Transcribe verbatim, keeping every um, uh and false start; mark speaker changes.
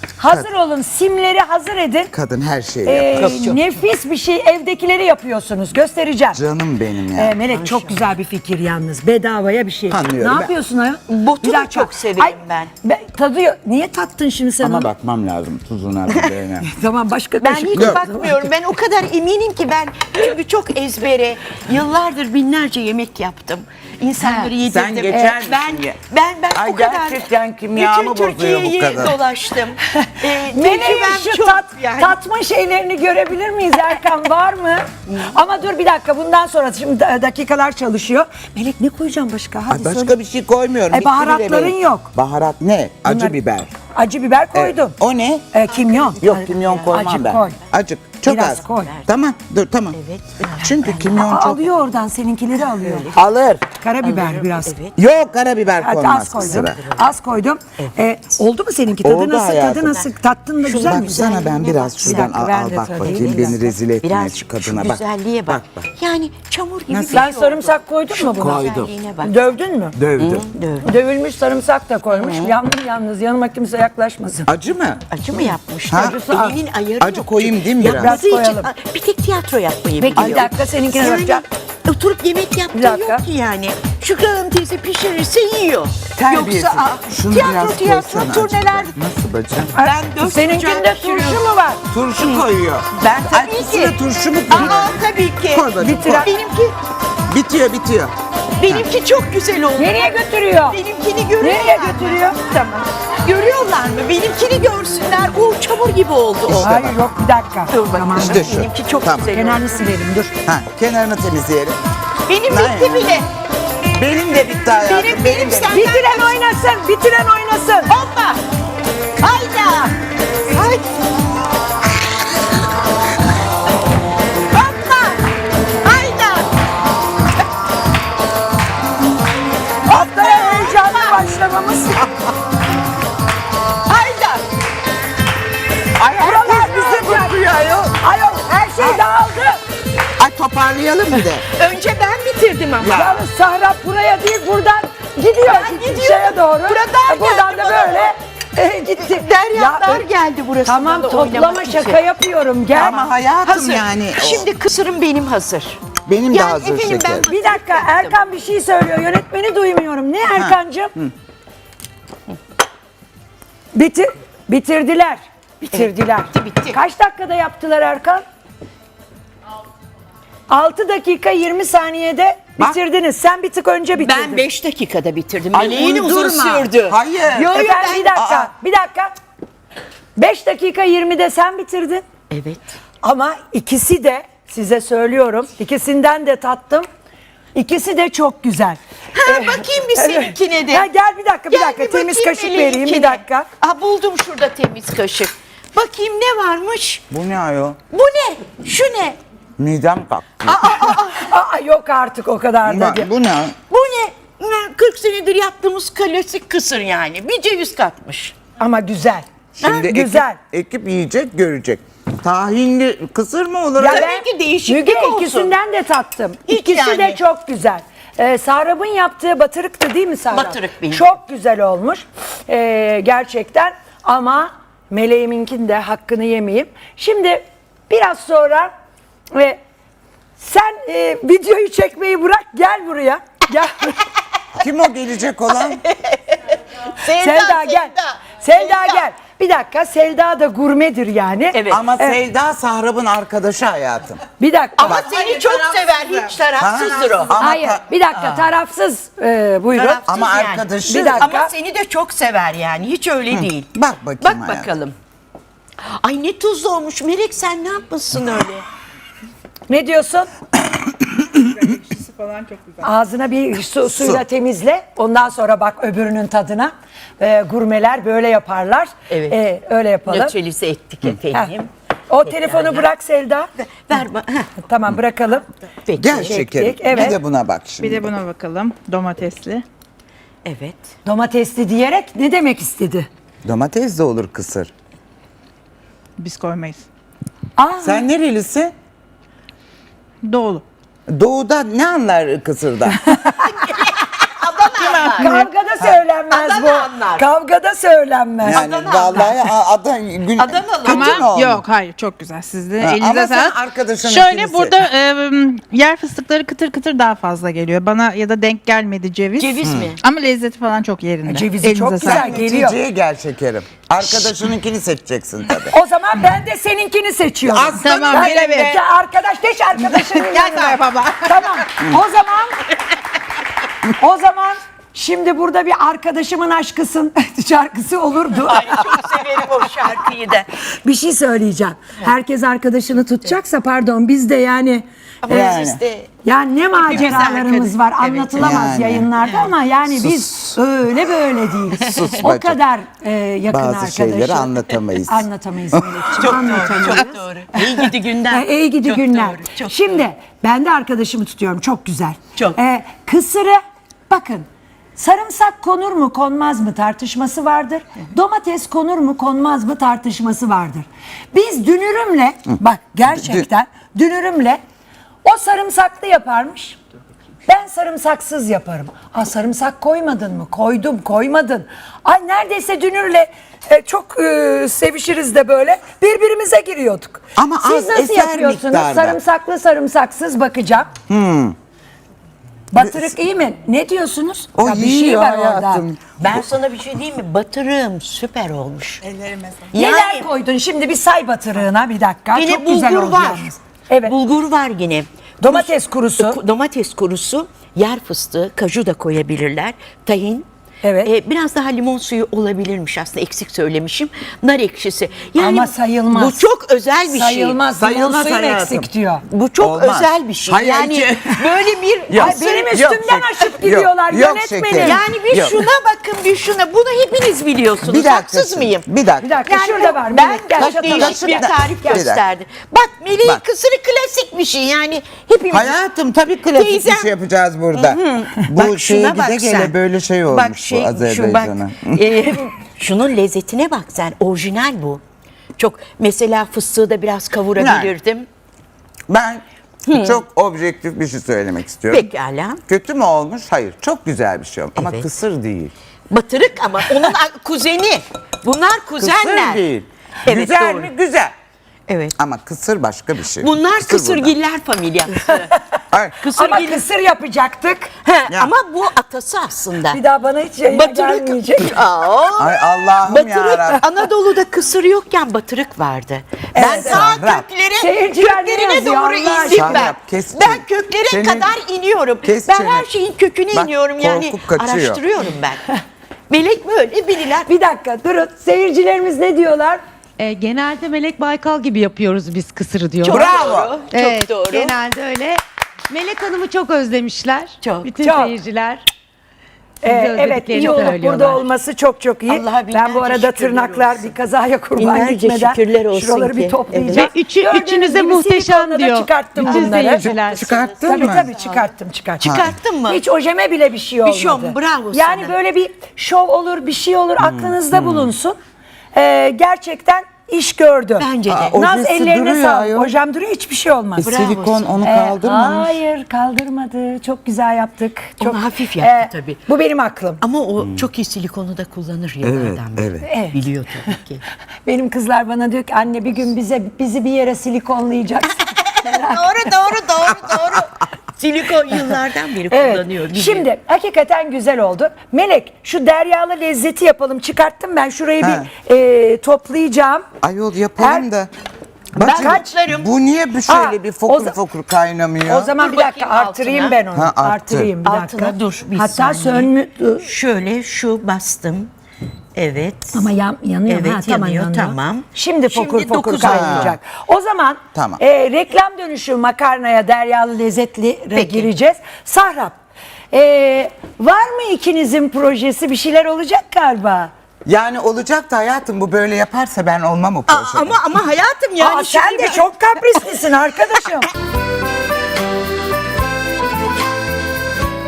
Speaker 1: Hazır olun, simleri hazır edin.
Speaker 2: Kadın her şeyi
Speaker 1: Ee,
Speaker 2: yapar.
Speaker 1: nefis bir şey, evdekileri yapıyorsunuz. Göstereceğim.
Speaker 2: Canım benim ya.
Speaker 1: Ee, Melek çok güzel bir fikir yalnız. Bedavaya bir şey.
Speaker 2: Anlıyorum
Speaker 1: Ne
Speaker 2: ben.
Speaker 1: yapıyorsun ayol?
Speaker 3: Botu
Speaker 1: Bir
Speaker 3: da
Speaker 1: dakika.
Speaker 3: çok severim ben.
Speaker 1: Tadıyor. Niye tattın şimdi sen
Speaker 2: Ama
Speaker 1: onu?
Speaker 2: bakmam lazım tuzuna biberine.
Speaker 1: Tamam, başka
Speaker 3: Ben
Speaker 1: kaşık
Speaker 3: hiç
Speaker 1: koy.
Speaker 3: bakmıyorum. Ben o kadar eminim ki ben çünkü çok ezbere yıllardır binlerce yemek yaptım. İnsanları yedirdim.
Speaker 2: Sen geçer misin
Speaker 3: ben,
Speaker 2: ya?
Speaker 3: ben ben
Speaker 2: Ay,
Speaker 3: o kadar
Speaker 2: gerçekten kimyamı
Speaker 3: bütün
Speaker 2: bozuyor bu
Speaker 3: Türkiye'yi
Speaker 2: kadın.
Speaker 3: dolaştım. Ee,
Speaker 1: Meleğin
Speaker 3: tecrübem
Speaker 1: şu
Speaker 3: çok
Speaker 1: tat,
Speaker 3: yani.
Speaker 1: tatma şeylerini görebilir miyiz Erkan, var mı? Ama dur bir dakika, bundan sonra şimdi da- dakikalar çalışıyor. Melek ne koyacağım başka? Hadi
Speaker 2: Ay, başka
Speaker 1: söyle.
Speaker 2: bir şey koymuyorum.
Speaker 1: E,
Speaker 2: Bitti
Speaker 1: baharatların
Speaker 2: bile benim.
Speaker 1: yok.
Speaker 2: Baharat ne? Acı
Speaker 1: Bunlar-
Speaker 2: biber.
Speaker 1: Acı biber koydum.
Speaker 2: O ne?
Speaker 1: E, kimyon.
Speaker 2: Yok kimyon koymam
Speaker 1: Acı
Speaker 2: ben.
Speaker 1: koy.
Speaker 2: Acık. Çok
Speaker 1: Biraz
Speaker 2: az.
Speaker 1: koy.
Speaker 2: Tamam dur tamam.
Speaker 3: Evet, biraz.
Speaker 2: Çünkü kimyon
Speaker 1: Aa,
Speaker 2: çok.
Speaker 1: alıyor oradan, seninkileri alıyor.
Speaker 2: Alır.
Speaker 1: Karabiber biraz.
Speaker 3: Evet.
Speaker 2: Yok karabiber
Speaker 1: Hadi
Speaker 2: konmaz
Speaker 1: az koydum.
Speaker 2: kusura.
Speaker 1: Az koydum. E, oldu mu seninki? Tadı
Speaker 2: Oldu
Speaker 1: nasıl?
Speaker 2: hayatım.
Speaker 1: Tadı nasıl? Tattın da güzel mi?
Speaker 2: Baksana ben biraz şuradan
Speaker 1: dakika,
Speaker 2: al,
Speaker 1: ben
Speaker 2: al
Speaker 1: de
Speaker 2: bak
Speaker 1: tadayım.
Speaker 2: bakayım.
Speaker 1: Bir
Speaker 2: Beni
Speaker 1: dakika.
Speaker 2: rezil etme
Speaker 3: Biraz
Speaker 2: şu
Speaker 3: şu
Speaker 2: kadına bak.
Speaker 3: güzelliğe bak.
Speaker 2: Bak bak.
Speaker 3: Yani çamur gibi
Speaker 2: Nasıl?
Speaker 3: bir şey
Speaker 1: Sen sarımsak
Speaker 3: oldu.
Speaker 1: koydun mu buna?
Speaker 2: Koydum.
Speaker 3: Güzelliğine bak.
Speaker 1: Dövdün mü?
Speaker 2: Dövdüm.
Speaker 3: Dövdüm.
Speaker 1: Dövülmüş sarımsak da koymuş. Yandım yalnız. Yanıma kimse yaklaşmasın.
Speaker 2: Acı mı?
Speaker 3: Acı mı yapmış?
Speaker 2: Ha?
Speaker 3: Acısı elinin ayarı
Speaker 2: Acı
Speaker 3: yok.
Speaker 2: koyayım değil mi biraz?
Speaker 3: Yapmadığı
Speaker 1: Biraz
Speaker 3: için
Speaker 1: koyalım.
Speaker 3: bir tek tiyatro yapmayı
Speaker 1: Peki,
Speaker 3: biliyor.
Speaker 1: bir dakika, seninkine
Speaker 3: Yani
Speaker 1: bakacağım.
Speaker 3: oturup yemek
Speaker 1: Bir
Speaker 3: yaptığı
Speaker 1: dakika.
Speaker 3: yok ki yani. Şükran Hanım teyze pişirirse yiyor.
Speaker 2: Terbiyesiz.
Speaker 3: Yoksa aa,
Speaker 2: Şunu
Speaker 3: tiyatro
Speaker 2: biraz
Speaker 3: tiyatro
Speaker 2: koysana
Speaker 3: turneler.
Speaker 2: acık. Nasıl bacım?
Speaker 3: Ben dört
Speaker 1: Seninkinde
Speaker 3: kucak
Speaker 1: turşu
Speaker 3: pişiriyorum.
Speaker 1: mu var?
Speaker 2: Turşu koyuyor.
Speaker 3: Ben
Speaker 2: Ay,
Speaker 3: tabii
Speaker 2: kusura
Speaker 3: ki.
Speaker 2: turşu mu koyuyor?
Speaker 3: Aa tabii ki.
Speaker 2: Koy bacım,
Speaker 1: Bitiren-
Speaker 2: koy.
Speaker 3: Benimki,
Speaker 2: Bitiyor bitiyor.
Speaker 3: benimki çok güzel oldu.
Speaker 1: Nereye götürüyor?
Speaker 3: Benimkini görüyorlar
Speaker 1: Nereye
Speaker 3: mı?
Speaker 1: götürüyor?
Speaker 3: Tamam. Görüyorlar mı? Benimkini görsünler. O çamur gibi oldu o.
Speaker 1: Hayır yok, bir dakika.
Speaker 3: Dur bak.
Speaker 1: Tamam.
Speaker 2: İşte şu.
Speaker 3: Benimki çok
Speaker 2: Tamam.
Speaker 3: güzel oldu.
Speaker 1: Kenarını silelim, dur.
Speaker 2: Ha, kenarını temizleyelim.
Speaker 3: Benim
Speaker 2: Aynen.
Speaker 3: bitti bile.
Speaker 2: Benim de bitti hayatım.
Speaker 3: Benim- benim
Speaker 2: de.
Speaker 3: sen-
Speaker 1: Bitiren oynasın, bitiren oynasın.
Speaker 3: Hoppa. Hayda. Hay. Hoppa. Hayda.
Speaker 1: Haftaya heyecanlı başlamamız.
Speaker 3: Hayda.
Speaker 2: Ay herkes bize bakıyor ayol.
Speaker 1: Ayol, her şey dağıldı.
Speaker 2: Ay toparlayalım bir de.
Speaker 3: Önce ben bitirdim ama.
Speaker 2: Ya.
Speaker 1: Yalnız Sahra buraya değil, buradan gidiyor.
Speaker 3: Ben gidiyorum.
Speaker 1: Şeye doğru.
Speaker 3: Buradan
Speaker 1: E, Buradan
Speaker 3: geldi
Speaker 1: da
Speaker 3: bana.
Speaker 1: böyle e, gitti.
Speaker 3: Deryalar
Speaker 1: Ya,
Speaker 3: geldi burası.
Speaker 1: Tamam,
Speaker 3: da
Speaker 1: toplama
Speaker 3: oynamak
Speaker 1: şaka
Speaker 3: için.
Speaker 1: yapıyorum. Gel.
Speaker 2: Ama hayatım
Speaker 3: Hazır.
Speaker 2: yani. o-
Speaker 3: Şimdi kısırım benim hazır.
Speaker 2: Benim de
Speaker 3: Yani
Speaker 2: hazır
Speaker 3: efendim ben-
Speaker 2: şeker.
Speaker 1: Bir dakika, Erkan bir şey söylüyor. Yönetmeni duymuyorum. Ne Erkancığım? Bitir, bitirdiler. Bitirdiler.
Speaker 3: bitti, bitti.
Speaker 1: Kaç dakikada yaptılar Erkan? altı dakika yirmi saniyede
Speaker 2: Bak.
Speaker 1: bitirdiniz. Sen bir tık önce bitirdin.
Speaker 3: Ben beş dakikada bitirdim.
Speaker 2: Ay,
Speaker 3: Meleğin uzun
Speaker 2: uydurma.
Speaker 3: sürdü.
Speaker 2: Hayır.
Speaker 3: Yo, yo,
Speaker 1: Efendim
Speaker 3: ben-
Speaker 1: bir dakika,
Speaker 2: Aa.
Speaker 1: bir dakika. beş dakika yirmide sen bitirdin.
Speaker 3: Evet.
Speaker 1: Ama ikisi de size söylüyorum. İkisinden de tattım. İkisi de çok güzel.
Speaker 3: Ha,
Speaker 1: Ee,
Speaker 3: bakayım bir seninkine de.
Speaker 1: Ha, gel bir dakika, bir
Speaker 3: Gel
Speaker 1: dakika.
Speaker 3: bir
Speaker 1: Temiz
Speaker 3: bakayım
Speaker 1: kaşık vereyim, bir
Speaker 3: meleğinkine.
Speaker 1: dakika.
Speaker 3: Aa, buldum şurada temiz kaşık. Bakayım ne varmış?
Speaker 2: Bu ne ayol?
Speaker 3: Bu ne? Şu ne?
Speaker 2: Midem kalktı.
Speaker 1: Aa, yok artık o kadar da
Speaker 2: Bak,
Speaker 1: değil.
Speaker 2: bu ne?
Speaker 3: Bu ne? Ne, kırk senedir yaptığımız klasik kısır yani. Bir ceviz katmış.
Speaker 1: Ama güzel.
Speaker 2: Şimdi ekip,
Speaker 1: güzel.
Speaker 2: ekip yiyecek görecek. Tahinli kısır mı olur?
Speaker 1: Ya
Speaker 3: Tabii
Speaker 1: ben-
Speaker 3: ki değişiklik
Speaker 1: Müge,
Speaker 3: olsun.
Speaker 1: ikisinden de tattım.
Speaker 3: Hiç
Speaker 1: İkisi de
Speaker 3: yani.
Speaker 1: çok güzel. Ee, Sahrab'ın yaptığı batırıktı değil mi Sahrab?
Speaker 3: Batırık benim.
Speaker 1: Çok güzel olmuş. Ee, gerçekten, ama meleğiminkinin de hakkını yemeyeyim. Şimdi biraz sonra ve sen e, videoyu çekmeyi bırak, gel buraya. Gel.
Speaker 2: Kim o gelecek olan?
Speaker 3: Selda,
Speaker 1: Selda gel. Selda gel. Bir dakika, Selda da gurmedir yani.
Speaker 3: Evet.
Speaker 2: Ama
Speaker 1: Evet.
Speaker 2: Selda Sahrab'ın arkadaşı hayatım.
Speaker 1: Bir dakika.
Speaker 3: Ama seni çok sever. Hiç tarafsızdır o.
Speaker 2: Ama
Speaker 1: Hayır,
Speaker 2: ta-
Speaker 1: bir dakika, tarafsız e, buyurun.
Speaker 3: Tarafsız
Speaker 2: Ama
Speaker 3: yani.
Speaker 2: arkadaşı.
Speaker 1: Bir dakika.
Speaker 3: Ama seni de çok sever yani. Hiç öyle değil.
Speaker 2: Bak bakayım
Speaker 3: Bak
Speaker 2: hayatım.
Speaker 3: bakalım. Ay ne tuzlu olmuş. Melek sen ne yapmışsın öyle?
Speaker 1: Ne diyorsun?
Speaker 4: Ekşisi falan çok güzel.
Speaker 1: Ağzına bir su, suyla temizle. Ondan sonra bak öbürünün tadına. Ee, gurmeler böyle yaparlar.
Speaker 3: Evet.
Speaker 1: Ee, öyle yapalım.
Speaker 3: Nötralize ettik
Speaker 1: Heh.
Speaker 3: efendim.
Speaker 1: O telefonu bırak Selda.
Speaker 3: Ver bana. Heh,
Speaker 1: Tamam, bırakalım.
Speaker 3: Peki.
Speaker 2: Gel
Speaker 1: Çektik,
Speaker 2: şekerim.
Speaker 1: evet.
Speaker 2: Bir de buna bak şimdi.
Speaker 4: Bir de buna bakalım. Domatesli.
Speaker 3: Evet.
Speaker 1: Domatesli diyerek ne demek istedi?
Speaker 2: Domates de olur kısır.
Speaker 4: Biz koymayız.
Speaker 1: Aa,
Speaker 2: Sen nerelisin?
Speaker 4: Doğulu.
Speaker 2: Doğuda ne anlar kısırda?
Speaker 1: kavgada söylenmez
Speaker 3: Adana
Speaker 1: bu.
Speaker 3: anlar.
Speaker 1: Kavgada söylenmez.
Speaker 2: Yani
Speaker 3: Adana
Speaker 2: vallahi a- Adana gün
Speaker 3: Adanalı.
Speaker 2: kötü mü
Speaker 4: Ama
Speaker 2: olmuş?
Speaker 4: yok hayır çok güzel sizde.
Speaker 2: Ha,
Speaker 4: Elinize
Speaker 2: ama sen
Speaker 4: sağlık.
Speaker 2: arkadaşının
Speaker 4: Şöyle
Speaker 2: ikilisi.
Speaker 4: burada e, yer fıstıkları kıtır kıtır daha fazla geliyor. Bana ya da denk gelmedi ceviz.
Speaker 3: Ceviz mi?
Speaker 4: Ama lezzeti falan çok yerinde.
Speaker 1: Cevizi çok
Speaker 4: Elinize
Speaker 1: güzel.
Speaker 4: sağlık.
Speaker 1: geliyor.
Speaker 2: Neticeye gel şekerim. Arkadaşınınkini seçeceksin tabii.
Speaker 1: O zaman ben de seninkini seçiyorum.
Speaker 2: Aslanım
Speaker 4: Tamam,
Speaker 1: Ben
Speaker 4: bir
Speaker 1: de-
Speaker 4: evet.
Speaker 1: Ya arkadaş geç arkadaşının
Speaker 4: Gel
Speaker 1: yanına.
Speaker 4: Serap abla.
Speaker 1: Tamam. O zaman o zaman şimdi burada bir arkadaşımın aşkısın şarkısı olurdu.
Speaker 3: Ay çok severim o şarkıyı da.
Speaker 1: Bir şey söyleyeceğim. Herkes arkadaşını tutacaksa pardon biz de yani
Speaker 3: Ama
Speaker 2: Yani.
Speaker 3: siz de
Speaker 1: yani ne maceralarımız
Speaker 3: arkadaş-
Speaker 1: var
Speaker 3: Evet.
Speaker 1: anlatılamaz
Speaker 2: Yani.
Speaker 1: yayınlarda ama yani biz öyle böyle değil.
Speaker 2: Sus
Speaker 1: o
Speaker 2: bacım.
Speaker 1: kadar e, yakın
Speaker 2: Bazı
Speaker 1: arkadaşı.
Speaker 2: şeyleri anlatamayız.
Speaker 1: Anlatamayız Melekciğim. anlatamayız.
Speaker 3: çok doğru. İyi gidi günden.
Speaker 1: Ha, iyi gidi
Speaker 3: Çok
Speaker 1: günler.
Speaker 3: doğru, çok
Speaker 1: Şimdi
Speaker 3: doğru.
Speaker 1: ben de arkadaşımı tutuyorum. Çok güzel.
Speaker 3: Çok.
Speaker 1: Ee, kısırı bakın sarımsak konur mu konmaz mı tartışması vardır. Domates konur mu konmaz mı tartışması vardır. Biz dünürümle bak gerçekten dünürümle o sarımsaklı yaparmış. Ben sarımsaksız yaparım. Aa sarımsak koymadın mı? Koydum, koymadın. Ay neredeyse dünürle e, çok e, sevişiriz de böyle birbirimize giriyorduk.
Speaker 2: Ama
Speaker 1: Siz
Speaker 2: az,
Speaker 1: nasıl
Speaker 2: eser
Speaker 1: yapıyorsunuz?
Speaker 2: miktarda.
Speaker 1: Sarımsaklı sarımsaksız bakacağım. Batırık iyi mi? Ne diyorsunuz?
Speaker 2: O
Speaker 1: Ya bir şey
Speaker 2: yiyor
Speaker 1: var orada.
Speaker 2: hayatım.
Speaker 3: Ben sana bir şey diyeyim mi? Batırığım süper olmuş.
Speaker 4: Ellerime sağlık.
Speaker 1: Neler
Speaker 3: Yani-
Speaker 1: koydun? Şimdi bir say batırığına bir dakika.
Speaker 3: Yine
Speaker 1: Çok güzel
Speaker 3: bulgur
Speaker 1: oldu
Speaker 3: var.
Speaker 1: yalnız. Evet.
Speaker 3: Bulgur var yine.
Speaker 1: Domates kurusu.
Speaker 3: Ku- Domates kurusu, yer fıstığı, kaju da koyabilirler. Tahin.
Speaker 1: Evet.
Speaker 3: Ee, biraz daha limon suyu olabilirmiş aslında eksik söylemişim. Nar ekşisi. Yani
Speaker 1: Ama sayılmaz.
Speaker 3: Bu çok özel bir şey.
Speaker 1: Sayılmaz. Limon
Speaker 2: Sayılmaz
Speaker 1: suyum
Speaker 2: hayatım.
Speaker 1: eksik diyor.
Speaker 3: Bu çok
Speaker 2: Olmaz.
Speaker 3: özel bir şey.
Speaker 2: Hayır,
Speaker 3: yani
Speaker 2: hiç-
Speaker 3: böyle bir
Speaker 2: Yok.
Speaker 1: Ay benim
Speaker 2: Yok,
Speaker 1: üstümden
Speaker 2: şeker.
Speaker 1: aşıp
Speaker 2: Yok,
Speaker 1: gidiyorlar
Speaker 2: yok
Speaker 1: yönetmenim.
Speaker 2: şeker.
Speaker 3: yani bir
Speaker 2: Yok.
Speaker 3: şuna bakın bir şuna. Bunu hepiniz biliyorsunuz.
Speaker 2: Bir dakika.
Speaker 3: Haksız
Speaker 2: şimdi,
Speaker 3: mıyım?
Speaker 2: Bir dakika.
Speaker 1: Bir dakika
Speaker 3: Yani
Speaker 1: şurada var.
Speaker 3: ben
Speaker 1: Melek, gel
Speaker 3: çok
Speaker 1: çatalım.
Speaker 3: değişik bir
Speaker 2: Şurada.
Speaker 3: tarif
Speaker 2: Bir dakika.
Speaker 3: gösterdi. Bak Melek'in
Speaker 2: Bak.
Speaker 3: kısırı klasik bir şey yani hepimiz.
Speaker 2: Hayatım tabii klasik bir
Speaker 3: Teyzem-
Speaker 2: şey yapacağız burada. Bu
Speaker 3: Bak
Speaker 2: şeye
Speaker 3: şuna
Speaker 2: gide
Speaker 3: bak
Speaker 2: gele
Speaker 3: sen.
Speaker 2: böyle şey
Speaker 3: Bak
Speaker 2: olmuş
Speaker 3: şey,
Speaker 2: bu
Speaker 3: şu
Speaker 2: Azerbaycan'a.
Speaker 3: bak, e, şunun lezzetine bak sen. Orijinal bu. Çok mesela fıstığı da biraz kavurabilirdim.
Speaker 2: Ben çok objektif bir şey söylemek istiyorum.
Speaker 3: Pekala.
Speaker 2: Kötü mü olmuş? Hayır. Çok güzel bir şey olmuş. Ama
Speaker 3: Evet.
Speaker 2: kısır değil.
Speaker 3: Batırık ama onun a- kuzeni. Bunlar kuzenler.
Speaker 2: Kısır değil.
Speaker 3: Evet,
Speaker 2: güzel
Speaker 3: doğru.
Speaker 2: mi? Güzel.
Speaker 3: Evet.
Speaker 2: Ama kısır başka bir şey.
Speaker 3: Bunlar
Speaker 2: Kısır
Speaker 3: kısırgiller familyası.
Speaker 2: Ay,
Speaker 1: Ama
Speaker 3: Kısırgiller.
Speaker 1: kısır yapacaktık.
Speaker 3: He,
Speaker 2: Ya.
Speaker 3: ama bu atası aslında.
Speaker 1: Bir daha bana hiç yayına gelmeyecek.
Speaker 3: Batırık. Aa,
Speaker 2: ay Allah'ım
Speaker 3: batırık.
Speaker 2: yarabbim.
Speaker 3: Anadolu'da kısır yokken batırık vardı. Ben
Speaker 1: Evet,
Speaker 3: ta
Speaker 2: Serap.
Speaker 3: köklere,
Speaker 1: Seyirciler ne
Speaker 3: köklerine
Speaker 1: yazıyor
Speaker 3: doğru
Speaker 1: Allah
Speaker 3: indim
Speaker 2: aşkına?
Speaker 3: ben.
Speaker 2: Serap, kes
Speaker 3: Ben
Speaker 2: çene.
Speaker 3: köklere
Speaker 2: Senin-
Speaker 3: kadar iniyorum.
Speaker 2: kes
Speaker 3: ben
Speaker 2: çene.
Speaker 3: her şeyin köküne
Speaker 2: Bak,
Speaker 3: iniyorum yani.
Speaker 2: korkup kaçıyor.
Speaker 3: Araştırıyorum ben. Melek böyle biriler.
Speaker 1: Bir dakika durun. Seyircilerimiz ne diyorlar?
Speaker 5: E, genelde Melek Baykal gibi yapıyoruz biz kısırı diyor.
Speaker 3: Çok
Speaker 2: Bravo.
Speaker 3: doğru.
Speaker 5: Evet,
Speaker 3: Çok doğru.
Speaker 5: genelde öyle. Melek Hanım'ı çok özlemişler.
Speaker 3: Çok,
Speaker 5: Bütün
Speaker 1: çok.
Speaker 5: seyirciler. Sizi
Speaker 1: Ee, evet
Speaker 5: özlediklerini
Speaker 1: iyi olup
Speaker 5: söylüyorlar.
Speaker 1: burada olması çok çok iyi.
Speaker 3: Allah'a
Speaker 1: Ben bu
Speaker 3: binlerce
Speaker 1: arada
Speaker 3: şükürler
Speaker 1: tırnaklar
Speaker 3: olsun.
Speaker 1: bir kazaya kurban
Speaker 3: Binlerce
Speaker 1: gitmeden
Speaker 3: şükürler olsun
Speaker 1: şuraları bir
Speaker 3: ki.
Speaker 1: toplayacağım.
Speaker 5: Ve üçü,
Speaker 1: Gördüğünüz
Speaker 5: üçünüze
Speaker 1: gibi
Speaker 5: muhteşem
Speaker 1: silikonla da
Speaker 5: diyor.
Speaker 1: çıkarttım
Speaker 5: Bütün
Speaker 1: bunları.
Speaker 5: seyirciler.
Speaker 2: Çıkarttın
Speaker 1: Tabii
Speaker 2: mı?
Speaker 1: tabii çıkarttım çıkarttım.
Speaker 3: Çıkarttın mı?
Speaker 1: Hiç ojeme bile bir şey olmadı.
Speaker 3: şey olmadı, bravo
Speaker 1: Yani
Speaker 3: sana.
Speaker 1: böyle bir şov olur bir şey olur aklınızda bulunsun. Ee, gerçekten iş gördü.
Speaker 3: Bence de.
Speaker 2: Aa,
Speaker 1: Naz
Speaker 2: ojesi
Speaker 1: ellerine
Speaker 2: duruyor
Speaker 1: sağlık.
Speaker 2: ayol.
Speaker 1: Hocam duruyor hiçbir şey olmaz.
Speaker 3: Bravo
Speaker 2: Silikon
Speaker 3: sana.
Speaker 2: onu
Speaker 1: Ee,
Speaker 2: kaldırmamış.
Speaker 1: hayır kaldırmadı. Çok güzel yaptık.
Speaker 3: Onu
Speaker 1: Çok
Speaker 3: hafif yaptı tabii.
Speaker 1: Bu benim aklım.
Speaker 3: Ama o çok iyi silikonu da kullanır yıllardan beri.
Speaker 2: evet.
Speaker 1: Evet.
Speaker 3: Biliyor tabii ki.
Speaker 1: Benim kızlar bana diyor ki anne bir gün bize bizi bir yere silikonlayacaksın.
Speaker 3: doğru doğru doğru doğru. Silikon yıllardan beri kullanıyor.
Speaker 1: Evet.
Speaker 3: biliyor.
Speaker 1: Şimdi hakikaten güzel oldu. Melek şu deryalı lezzeti yapalım. Çıkarttım ben şurayı
Speaker 2: Ha.
Speaker 1: bir e, toplayacağım.
Speaker 2: Ayol yapalım
Speaker 1: Her-
Speaker 2: da.
Speaker 1: Ben
Speaker 2: Bacım,
Speaker 1: kaçlarım?
Speaker 2: bu niye bir şöyle
Speaker 1: Ha,
Speaker 2: bir
Speaker 1: o
Speaker 2: fokur
Speaker 1: za-
Speaker 2: fokur kaynamıyor?
Speaker 1: O zaman
Speaker 3: Dur
Speaker 1: bir dakika
Speaker 3: bakayım
Speaker 1: artırayım
Speaker 3: altına.
Speaker 1: ben onu.
Speaker 2: Ha, arttır.
Speaker 1: Artırayım bir dakika.
Speaker 3: Altına dur bir
Speaker 1: Hatta
Speaker 3: saniye.
Speaker 1: sönmü
Speaker 3: Şöyle şu bastım. Evet.
Speaker 1: ama yan, yanıyor.
Speaker 3: Evet,
Speaker 1: ha, tamam,
Speaker 3: yanıyor,
Speaker 1: yanıyor.
Speaker 3: tamam.
Speaker 1: Şimdi fokur
Speaker 3: Şimdi
Speaker 1: fokur
Speaker 3: dokuz
Speaker 1: kaynayacak. O zaman
Speaker 2: Tamam.
Speaker 1: e, reklam dönüşü makarnaya deryalı lezzetli
Speaker 3: Peki.
Speaker 1: gireceğiz. Sahrap e, var mı ikinizin projesi bir şeyler olacak galiba?
Speaker 2: Yani olacak da hayatım bu böyle yaparsa ben olmam o
Speaker 3: Aa,
Speaker 2: projede.
Speaker 3: ama ama hayatım yani
Speaker 1: Aa, sen
Speaker 3: şimdi
Speaker 1: de
Speaker 3: ben-
Speaker 1: çok kaprislisin arkadaşım.